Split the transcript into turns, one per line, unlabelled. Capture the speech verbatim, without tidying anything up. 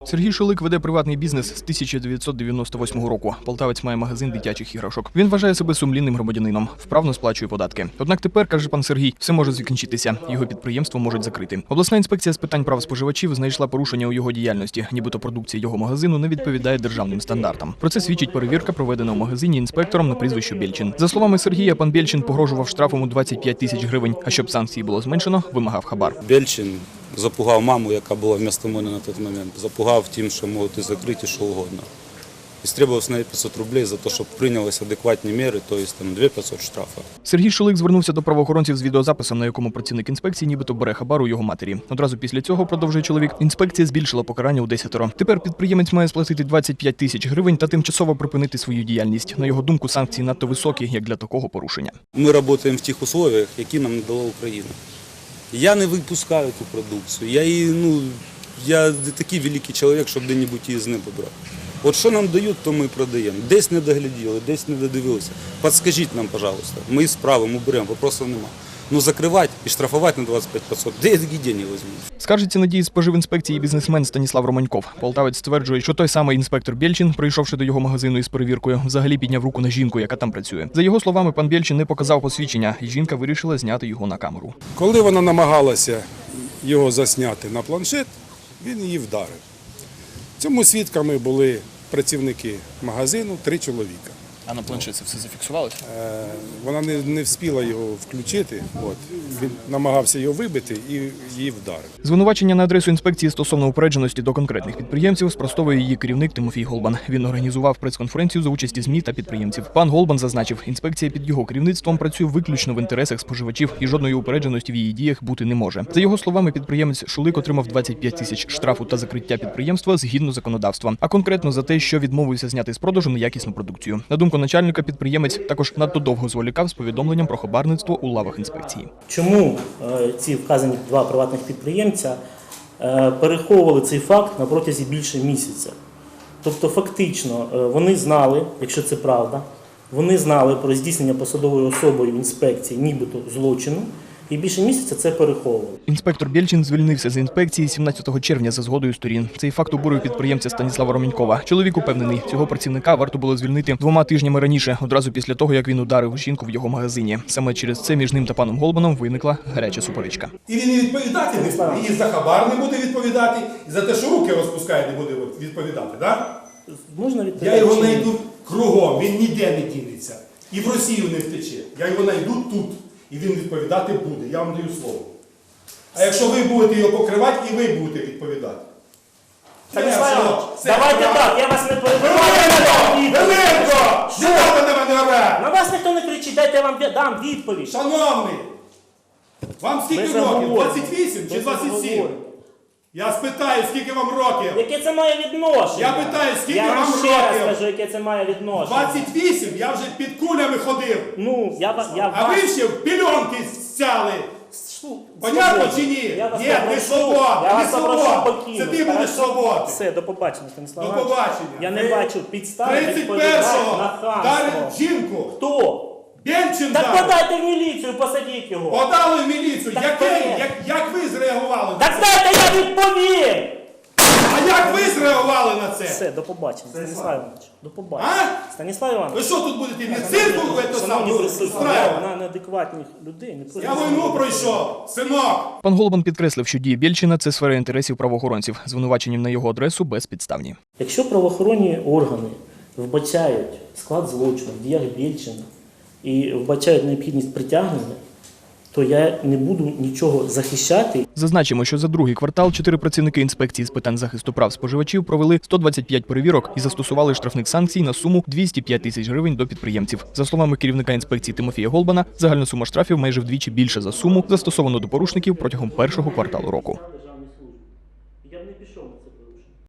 Сергій Шулик веде приватний бізнес з тисяча дев'ятсот дев'яносто восьмого року. Полтавець має магазин дитячих іграшок. Він вважає себе сумлінним громадянином, вправно сплачує податки. Однак тепер, каже пан Сергій, все може закінчитися. Його підприємство можуть закрити. Обласна інспекція з питань прав споживачів знайшла порушення у його діяльності, нібито продукція його магазину не відповідає державним стандартам. Про це свідчить перевірка, проведена у магазині інспектором на прізвище Бєльчин. За словами Сергія, пан Бєльчин погрожував штрафом у двадцять п'ять тисяч гривень, а щоб санкції було зменшено, вимагав хабар.
Бєльчин запугав маму, яка була вместо мене на той момент, запугав тим, що можуть і закрити, що угодно. І стребував з неї п'ятсот рублей за те, щоб прийнялися адекватні міри, тобто там дві тисячі п'ятсот штрафу.
Сергій Шулик звернувся до правоохоронців з відеозаписом, на якому працівник інспекції нібито бере хабар у його матері. Одразу після цього, продовжує чоловік, інспекція збільшила покарання у десятеро. Тепер підприємець має сплатити двадцять п'ять тисяч гривень та тимчасово припинити свою діяльність. На його думку, санкції надто високі, як для такого порушення.
Ми працюємо в тих умовах, які нам надала Україна. Я не випускаю цю продукцію. Я, її, ну, я не такий великий чоловік, щоб де-небудь її з неба брати. От що нам дають, то ми продаємо. Десь не догляділи, десь не додивилися. Підскажіть нам, пожалуйста. Ми справимо, беремо, вопросів немає. Ну закривати і штрафувати на двадцять п'ять п'ятсот, де я такі гроші візьму?
Скаржиться на дії споживінспекції бізнесмен Станіслав Романьков. Полтавець стверджує, що той самий інспектор Бєльчин, прийшовши до його магазину із перевіркою, взагалі підняв руку на жінку, яка там працює. За його словами, пан Бєльчин не показав посвідчення, і жінка вирішила зняти його на камеру.
Коли вона намагалася його засняти на планшет, він її вдарив. Цьому свідками були працівники магазину, три чоловіка.
А на планшет це все зафіксувалося?
Е, Вона не, не встигла його включити, от. Він намагався його вибити і її вдарив.
Звинувачення на адресу інспекції стосовно упередженості до конкретних підприємців спростовує її керівник Тимофій Голбан. Він організував прес-конференцію за участі ЗМІ та підприємців. Пан Голбан зазначив, інспекція під його керівництвом працює виключно в інтересах споживачів і жодної упередженості в її діях бути не може. За його словами, підприємець Шулик отримав двадцять п'ять тисяч штрафу та закриття підприємства згідно законодавства, а конкретно за те, що відмовився зняти з продажу неякісну продукцію. На думку начальника, підприємець також надто довго зволікав з повідомленням про хабарництво у лавах інспекції.
Чому е, ці вказані два приватних підприємця е, переховували цей факт на протязі більше місяця? Тобто фактично е, вони знали, якщо це правда, вони знали про здійснення посадовою особою інспекції нібито злочину, і більше місяця це переховували.
Інспектор Бєльчин звільнився з інспекції сімнадцятого червня за згодою сторін. Цей факт обурив підприємця Станіслава Романькова. Чоловік упевнений, цього працівника варто було звільнити двома тижнями раніше, одразу після того, як він ударив жінку в його магазині. Саме через це між ним та паном Голбаном виникла гаряча суперечка.
І він і відповідати не буде, і за хабар не буде відповідати, і за те, що руки розпускає, не буде відповідати, так?
Можна
Я його знайду кругом, він ніде не дінеться. І в Росію не втече. Я його знайду тут. І він відповідати буде, я вам даю слово. А якщо ви будете його покривати, і ви будете відповідати.
Станіслав, давайте так, я вас не перебиваю.
Веленко! Що ви на мене оре?
На вас ніхто не кричить, дайте я вам дам відповідь.
Шановний, вам скільки
Без
років?
оговорень.
двадцять вісім чи
Без
двадцять сім?
оговорень.
Я спитаю, скільки вам років?
Яке це має відношення?
Я питаю, скільки
я
вам
вам ще раз
років?
кажу, яке це має відношення.
двадцять вісім, я вже під кулями ходив.
Ну, я, ва- я
А
вас...
ви ще в пільонки стяли.
Шу-
Понятно
свободі.
чи ні?
Я вас
Ні, не
попрошу-
свобода,
я
не
вас попрошу
свобода.
покинути.
Це ти будеш
Хорошо?
свободний.
Все, до побачення, Станіслав
До
Іванович.
побачення.
Я не
Ви
бачу підстави
тридцять
відповідати
першого
на хамство.
вдарив жінку.
Хто?
Бєльчин
Так
вдарив.
подайте в міліцію, посадіть його.
Подали в міліцію.
Так
Яке-
вперед.
як, як ви зреагували на
Так
це?
дайте я відповім!
А як ви зреагували на це?
Все, до побачення, Станіслав Іванович. До побачення.
А?
Станіслав Іванович.
Ви що тут будете? Не цирку ви це
Шановні
сам
присутні,
устраювати?
на неадекватних людей не
Я війну пройшов, синок.
Пан Голбан підкреслив, що дії Бєльчина – це сфера інтересів правоохоронців. Звинуваченням на його адресу безпідставні.
Якщо правоохоронні органи вбачають склад злочину в діях Бєльчина і вбачають необхідність притягнення, то я не буду нічого захищати.
Зазначимо, що за другий квартал чотири працівники інспекції з питань захисту прав споживачів провели сто двадцять п'ять перевірок і застосували штрафних санкцій на суму двісті п'ять тисяч гривень до підприємців. За словами керівника інспекції Тимофія Голбана, загальна сума штрафів майже вдвічі більша за суму, застосовану до порушників протягом першого кварталу року.